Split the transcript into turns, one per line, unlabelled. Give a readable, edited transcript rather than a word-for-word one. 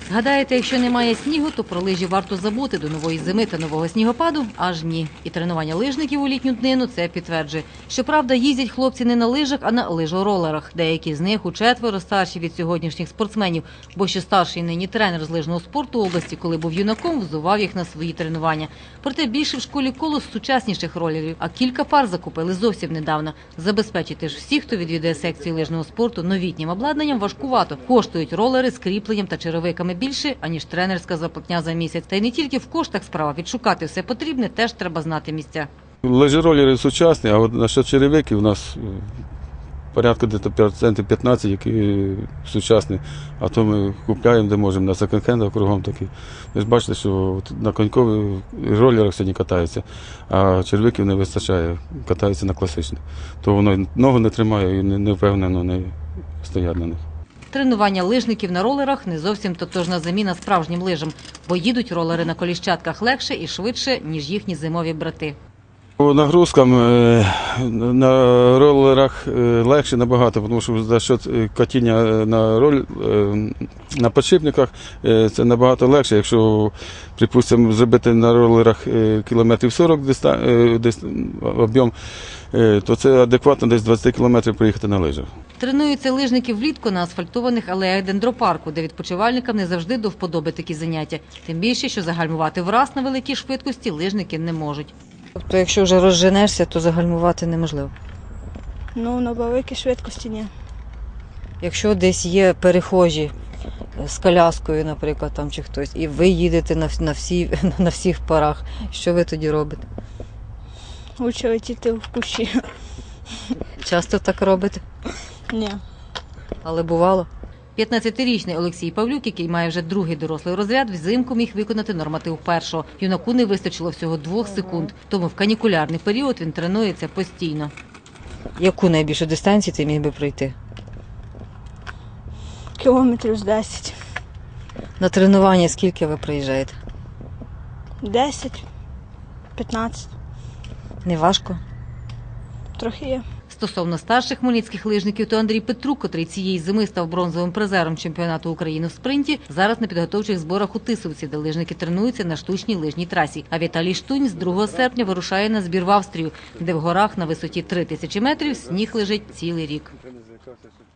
Гадаєте, якщо немає снігу, то про лижі варто забути до нової зими та нового снігопаду? Аж ні. І тренування лижників у літню днину це підтверджує. Щоправда, їздять хлопці не на лижах, а на лижоролерах. Деякі з них учетверо старші від сьогоднішніх спортсменів. Бо ще старший нині тренер з лижного спорту області, коли був юнаком, взував їх на свої тренування. Проте більше в школі коло сучасніших ролерів, а кілька пар закупили зовсім недавно. Забезпечити ж всіх, хто відвідує секцію лижного спорту, новітнім обладнанням важкувато. Коштують ролери з кріпленням та черевиками більше, аніж тренерська зарплатня за місяць. Та й не тільки в коштах справа. Відшукати все потрібне теж треба знати місця.
Лижеролери сучасні, а от насчет черевиків у нас порядку десь 15%, які сучасні. А то ми купляємо, де можемо, на секонд-хендах кругом такі. Ви ж бачите, що на конькових ролерах сьогодні катаються, а черевиків не вистачає, катаються на класичних. То воно ногу не тримає і не впевнено не стоять на них.
Тренування лижників на ролерах не зовсім тотожна заміна справжнім лижам, бо їдуть ролери на коліщатках легше і швидше, ніж їхні зимові брати.
По нагрузкам на ролерах легше набагато, тому що за счет катіння на підшипниках це набагато легше. Якщо, припустимо, зробити на ролерах кілометрів 40 об'єм, то це адекватно десь 20 кілометрів приїхати на лижах.
Тренуються лижники влітку на асфальтованих алеях дендропарку, де відпочивальникам не завжди до вподоби такі заняття. Тим більше, що загальмувати враз на великій швидкості лижники не можуть. Тобто, якщо вже розженешся, то загальмувати неможливо?
Ну, на великій швидкості ні.
Якщо десь є перехожі з коляскою, наприклад, там чи хтось, і ви їдете на всіх парах, що ви тоді робите?
Лучше летіти в кущі.
Часто так робите?
Ні.
Але бувало. 15-річний Олексій Павлюк, який має вже другий дорослий розряд, взимку міг виконати норматив першого. Юнаку не вистачило всього 2 секунд, тому в канікулярний період він тренується постійно. Яку найбільшу дистанцію ти міг би пройти?
Кілометрів з 10.
На тренування скільки ви приїжджаєте?
10, 15.
Не важко?
Трохи є.
Стосовно старших хмельницьких лижників, то Андрій Петрук, котрий цієї зими став бронзовим призером чемпіонату України в спринті, зараз на підготовчих зборах у Тисовці, де лижники тренуються на штучній лижній трасі. А Віталій Штунь з 2 серпня вирушає на збір в Австрію, де в горах на висоті 3000 метрів сніг лежить цілий рік.